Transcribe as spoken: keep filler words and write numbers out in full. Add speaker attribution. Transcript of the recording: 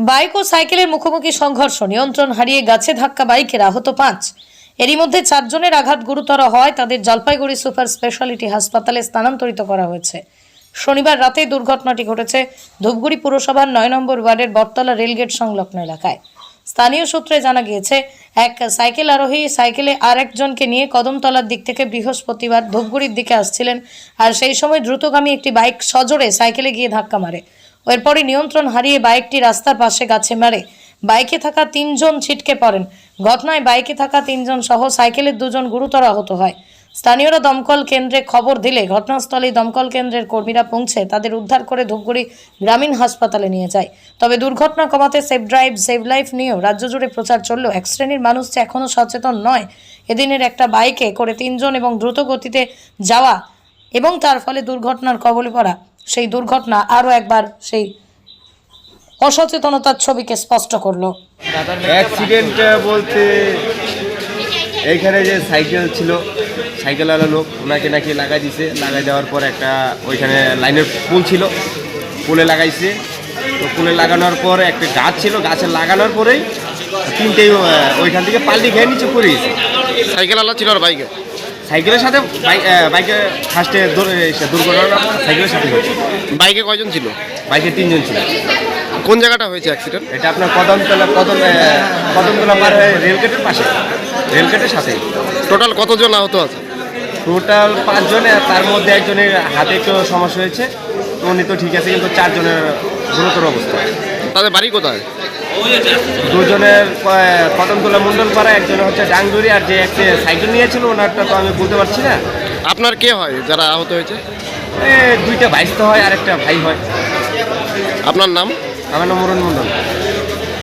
Speaker 1: Bike ও সাইকেলের মুখোমুখি সংঘর্ষ, নিয়ন্ত্রণ হারিয়ে গাছে ধাক্কা বাইকের, আহত পাঁচ। এরই মধ্যে চারজনের আঘাত গুরুতর হয়, তাদের জলপাইগুড়ি সুপার স্পেশালিটি হাসপাতালে স্থানান্তরিত করা হয়েছে। শনিবার রাতে দুর্ঘটনাটি ঘটেছে ধূপগুড়ি পুরসভার নয় নম্বর ওয়ার্ডের বটতলা রেলগেট সংলগ্ন এলাকায়। স্থানীয় সূত্রে জানা গিয়েছে, এক সাইকেল আরোহী সাইকেলে আর একজনকে নিয়ে কদমতলার দিক থেকে বৃহস্পতিবার ধূপগুড়ির দিকে আসছিলেন, আর সেই সময় দ্রুতগামী একটি বাইক সজোরে সাইকেলে গিয়ে ধাক্কা মারে। এরপরই নিয়ন্ত্রণ হারিয়ে বাইকটি রাস্তার পাশে গাছে মারে। বাইকে থাকা তিনজন ছিটকে পড়েন। ঘটনায় বাইকে থাকা তিনজন সহ সাইকেলের দুজন গুরুতর আহত হয়। স্থানীয়রা দমকল কেন্দ্রে খবর দিলে ঘটনাস্থলে দমকল কেন্দ্রের কর্মীরা পৌঁছে তাদের উদ্ধার করে ধূপগুড়ি গ্রামীণ হাসপাতালে নিয়ে যায়। তবে দুর্ঘটনা কমাতে সেভ ড্রাইভ সেভ লাইফ নিয়েও রাজ্য জুড়ে প্রচার চললেও এক শ্রেণীর মানুষ যে এখনও সচেতন নয়। এদিনের একটা বাইকে করে তিনজন এবং দ্রুত গতিতে যাওয়া এবং তার ফলে দুর্ঘটনার কবলে পড়া, সেই দুর্ঘটনা আরও একবার সেই অসচেতনতার ছবিকে স্পষ্ট করলো।
Speaker 2: অ্যাক্সিডেন্ট বলতে এইখানে যে সাইকেল ছিল, সাইকেলওয়ালা লোক ওনাকে নাকি লাগাই দিছে। লাগাই দেওয়ার পর একটা ওইখানে লাইনের পুল ছিল, পুলে লাগাইছে। তো পুলে লাগানোর পর একটা গাছ ছিল, গাছে লাগানোর পরেই তিনটেই ওইখান থেকে পাল্টি খেয়ে নিচে পড়ে গেছে।
Speaker 3: সাইকেলওয়ালা ছিল আর বাইকে
Speaker 2: সাইকেলের সাথে বাইকে ফার্স্টে দুর্ঘটনা সাইকেলের সাথে হয়েছে।
Speaker 3: বাইকে কয়জন ছিল?
Speaker 2: বাইকে তিনজন ছিল।
Speaker 3: কোন জায়গাটা হয়েছে অ্যাক্সিডেন্ট?
Speaker 2: এটা আপনার কদমতলা কদম কদমতলা পার হয়ে রেলগেটের পাশে, রেলগেটের সাথে।
Speaker 3: টোটাল কতজন আহত আছে?
Speaker 2: টোটাল পাঁচজনে, তার মধ্যে একজনের হাতে একটু সমস্যা হয়েছে, উনি তো ঠিক আছে, কিন্তু চারজনের গুরুতর অবস্থা।
Speaker 3: তাদের বাড়ি কোথায়?
Speaker 2: দুজনের কদমতলা মণ্ডলপাড়া, একজনের হচ্ছে ডাংডুরি, আর যে একটা সাইকেল নিয়েছিল ওনারটা তো আমি বলতে পারছি না।
Speaker 3: আপনার কে হয় যারা আহত হয়েছে?
Speaker 2: এ দুইটা ভাইস তো হয় আর একটা ভাই হয়।
Speaker 3: আপনার নাম?
Speaker 2: আমার নাম মুরন মণ্ডল।